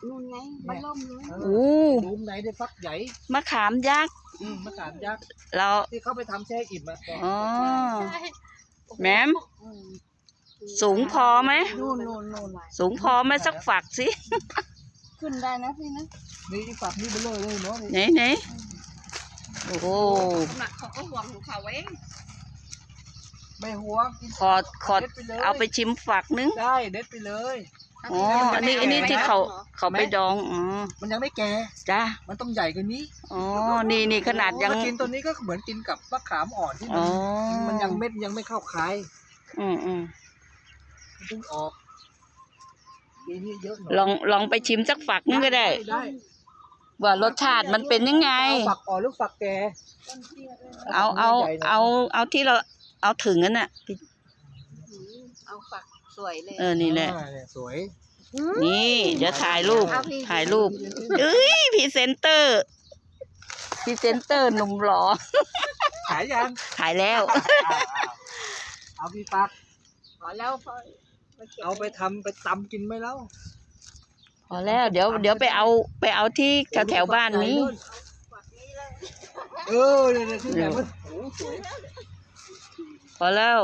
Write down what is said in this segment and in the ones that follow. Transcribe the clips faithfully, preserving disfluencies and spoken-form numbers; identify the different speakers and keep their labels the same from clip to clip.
Speaker 1: นู่นไงมันล่มเลย
Speaker 2: โอ้
Speaker 3: หลุมไหนได้ฟักใหญ่
Speaker 2: มะขามยักษ์
Speaker 3: อืมมะขามยักษ์
Speaker 2: เรา
Speaker 3: ที่เขาไปทำแช่อิ่มอะ
Speaker 2: อ๋อแหมมสูงพอไหม
Speaker 1: นู่นนู่นนู่น
Speaker 2: สูงพอไหมสักฝักสิ
Speaker 1: ขึ้นได้นะพี่นะ
Speaker 3: นี่ฝักนี่ไปเลยเลยเนาะ
Speaker 2: ไหนไหนโอ้โห
Speaker 1: หนักเขาก็ห่วงของเขาเอง
Speaker 3: ไม่หัวกิน
Speaker 2: ขอขอเอาไปชิมฝักนึง
Speaker 3: ได้เด็ดไปเลย
Speaker 2: อ๋ออันนี้อันนี้ที่เขาเขาไปดองอ๋อ
Speaker 3: มันยังไม่แก่
Speaker 2: จ้า
Speaker 3: มันต้องใหญ่กว่านี้
Speaker 2: อ๋อนี่นี่ขนาดยัง
Speaker 3: ถ้ากินตัวนี้ก็เหมือนกินกับมะขามอ่อนที่มั
Speaker 2: อ๋
Speaker 3: น
Speaker 2: อ
Speaker 3: มันยังเม็ดยังไม่เข้าคาย
Speaker 2: อืมอืม
Speaker 3: มันเพิ่งออกปีนี้เยอะหน่อย
Speaker 2: ลองลองไปชิมสักฝักนึงก็ได้
Speaker 3: ได้
Speaker 2: ว่ารสชาติมันเป็นยังไง
Speaker 3: เอาฝักอ่อนหรือฝักแก่
Speaker 2: เอาเอาเอาเอาที่เราเอาถึงนั้นน่ะ
Speaker 1: เอาฝักสวยเลย
Speaker 2: เออนี่แหละ
Speaker 3: อ่าเนี่ยสวย
Speaker 2: นี่เดี๋ยวถ่ายรูป
Speaker 1: เอาพี่
Speaker 2: ถ่ายรูปเอ้ยพรีเซนเตอร์พรีเซนเตอร์หนุ่มหล่อ
Speaker 3: ขายยัง
Speaker 2: ถ่ายแล้ว
Speaker 3: อ่าอ่าเอาพี่ฟัก
Speaker 1: พอแล้วพอ
Speaker 3: เอาไปทำไปตำกินไหมแล้ว
Speaker 2: พอแล้วเดี๋ยวเดี๋ยวไปเอาไปเอาที่แถวแถวบ้านนี้
Speaker 1: ฝักนี้เลย
Speaker 3: เออเนี่ยเนี่ยที่ไหนมันโอ้สวย
Speaker 2: พอแล้ว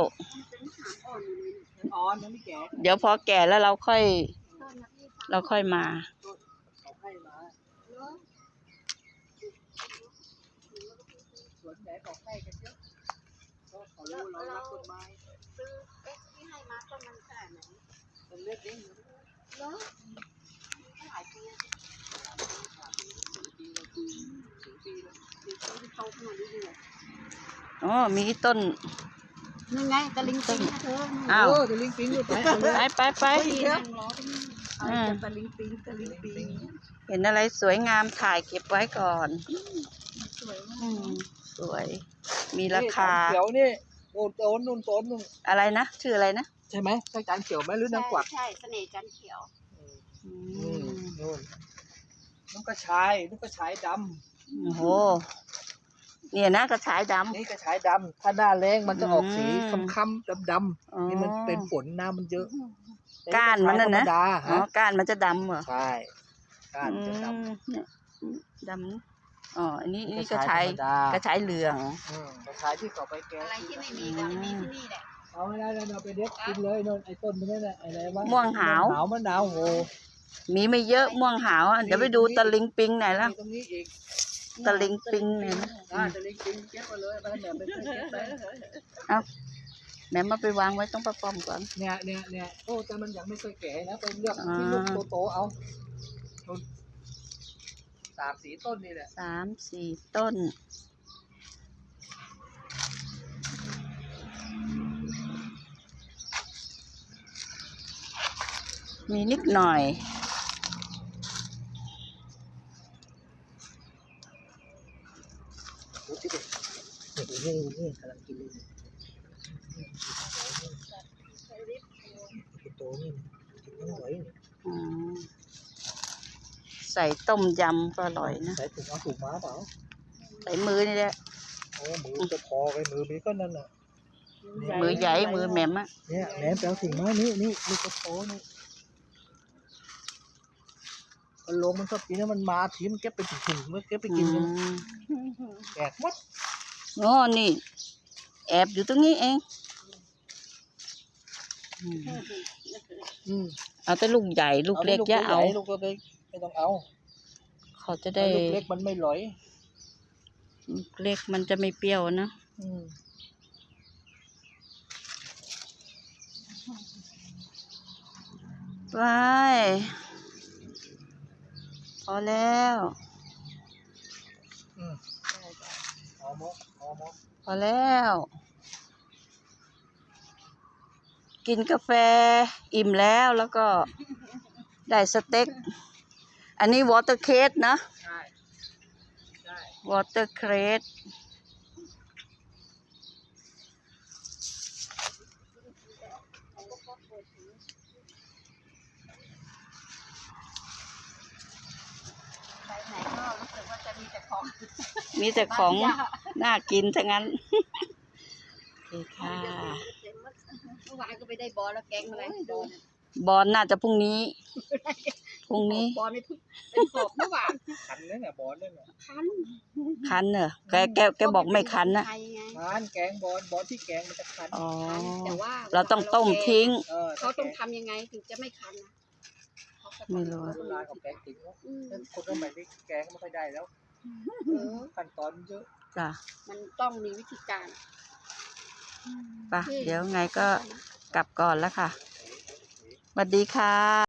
Speaker 3: อ่อนยังไม่แก่
Speaker 2: เดี๋ยวพอแก่แล้วเราค่อย เราค่อยมา
Speaker 3: เขาให้มาสวนไหนบอกให้กันเยอะเพราะเขารู้เรารักต้นไม้
Speaker 1: ซื้อเอ๊ะที่ให้มาต้นมันขนาดไหน
Speaker 3: ต้นเล็กเอง
Speaker 1: เนาะหลายปีโตขึ้นมาเรื่อย
Speaker 2: อ๋อมีต้น
Speaker 1: ๆนี่ไงตะลิงปิงนะเธอ
Speaker 2: อ้าว
Speaker 3: เออจะลิงปิงอยู่ไปเอาเลย
Speaker 2: ไปไปไป
Speaker 1: ไปนั่งรอตรงนี้เอาแต่ตะลิงปิงตะลิงปิง
Speaker 2: เห็นอะไรสวยงามถ่ายเก็บไว้ก่อน
Speaker 1: สวยมา
Speaker 2: อื
Speaker 1: ก
Speaker 2: มสวย มีราคา
Speaker 3: เขียวนี่โอ้โตนนู่นโตนนู่น
Speaker 2: อะไรนะชื่ออะไรนะ
Speaker 3: ใช่ไหมใช่จานเขียวไหมหรือนางกวัก
Speaker 1: ใช่เสน่ห์จันเขียว
Speaker 2: อื
Speaker 3: อืม
Speaker 2: ม
Speaker 3: นู่นนกกระชายนกกระชายด
Speaker 2: โอ้โหเนี่ยนะกระชายด
Speaker 3: ำนี่กระชายดำถ้าหน้าแรงมันจะออกสี
Speaker 2: อืม
Speaker 3: ค้ำๆดำ
Speaker 2: ำอ๋อ
Speaker 3: ๆนี่มันเป็นฝนน้ำมันเยอะ
Speaker 2: ก้านมันน่ะนะ
Speaker 3: ธรรมดา
Speaker 2: อ๋อ
Speaker 3: ฮะ
Speaker 2: ก้านมันจะดำเหรอ
Speaker 3: ใช่ก้านมันจะด
Speaker 2: อืมเนี่ยดำอ๋ออันนี้
Speaker 3: ำ
Speaker 2: นี่กระชาย
Speaker 3: ธรรมดาก
Speaker 2: ระชายเหลือง
Speaker 3: อืมกระชายที่เขาไปแกง
Speaker 1: อะไรที่ไม่มีก็จะมีที่นี่แหละ
Speaker 3: เอาไม่ได้เลยเราไปเด็ดกินเลยโน่นไอ้ต้นมันนั่นแหละอะไรวะ
Speaker 2: ม่วงหาว
Speaker 3: หาวมะนาวโห
Speaker 2: มีไม่เยอะม่วงหาวอ่ะเดี๋ยวไปดูตะลิงปิงไหนอยละ
Speaker 3: มีตรงนี้อีก
Speaker 2: ตะลิงปิงเนี่ยนะ
Speaker 3: อ่าตะลิงปิงเก็บมาเลยไปเนี่ยไปเก็บไป
Speaker 2: แม่มาไปวางไว้ต้องประป้อมก่อน
Speaker 3: เนี่ยเนี่ยเนี่ยโอ้แต่มันยังไม่เคยแก่นะไปเลือก
Speaker 2: อ่า
Speaker 3: ที่ลูกโตๆเอานู่นสามสีต้นนี่แหละ
Speaker 2: สามสี่ต้น มีนิดหน่อย
Speaker 3: โอ้ที่เด็ดนี่นี่นี่กำลังกินเลยโตนี่กินไม่ไหว
Speaker 2: อืมใส่ต้มยำก็อร่อยนะ
Speaker 3: ใส่ถุงเอาถุงม้าเปล่า
Speaker 2: ใส่มือนี่แหละ
Speaker 3: โอ้มือจะพอไปมือไปก็นั่นน่ะ
Speaker 2: มือใหญ่มือแหม่มอะ
Speaker 3: เนี่ยแหนมแปลถุงม้านี่นี่ลูกกระโปงนี่มันลงมันชอบกินแล้วมันมาทีมันเก็บไปถุงๆมันเก็บไปกินกัน
Speaker 2: อืม
Speaker 3: แตกหมด
Speaker 2: อ๋อนี่ แอบอยู่ตรงนี้เองอืม
Speaker 3: อืม
Speaker 2: เอาแต่ลูกใหญ่ลูกเล็กอย่าเอา
Speaker 3: ลูกเล็กไม่ต้องเอา
Speaker 2: เขาจะได้
Speaker 3: ลูกเล็กมันไม่หลอย
Speaker 2: ลูกเล็กมันจะไม่เปรี้ยวนะ
Speaker 3: อืม
Speaker 2: ไปพอแล้ว
Speaker 3: อืมเอาหมดเอาหมด
Speaker 2: พอแล้ว กินกาแฟอิ่มแล้วแล้วก็ได้สเต็ก อันนี้วอเตอร์เคสนะ
Speaker 3: ใช่ใช่
Speaker 2: วอเตอร์เคส
Speaker 1: ไปไหนก็รู้สึกว่าจะมีแต่ของ
Speaker 2: มีแต่ของน่ากินทั้งนั้น โอเคค่ะ
Speaker 1: เมื่อวานก็ไปได้บอลแล้วแกงอะไรบอล
Speaker 2: บอลน่าจะพรุ่งนี้ พพรุ่งนี้
Speaker 1: บอลไม่พึ่งเป็นขอบเมื่อวาน
Speaker 3: คันนั่นน่ะบอลนั่นน่ะ
Speaker 1: คัน
Speaker 2: คันเหรอแกแกแกบอกไม่คันนะ
Speaker 1: ไทยไง
Speaker 3: คันแกงบอลบอลที่แกงมันจะคัน
Speaker 2: อ๋อ
Speaker 1: คันแต่ว่า
Speaker 2: เราต้องต้มทิ้ง
Speaker 3: เออ
Speaker 1: เขาต้องทำยังไงถึงจะไม่คันนะเขาก็ต้อง
Speaker 2: ไม่รู้
Speaker 3: โบราณของแกงติ๋งแล้ว
Speaker 1: อืม
Speaker 3: คนสมัยนี้แกงก็ไม่ค่อยได้แล้ว
Speaker 1: เออ
Speaker 3: ขั้นตอนเยอะ
Speaker 2: จ้ะ
Speaker 1: มันต้องมีวิธีการ
Speaker 2: ไปเดี๋ยวไงก็กลับก่อนแล้วค่ะสวัสดีค่ะ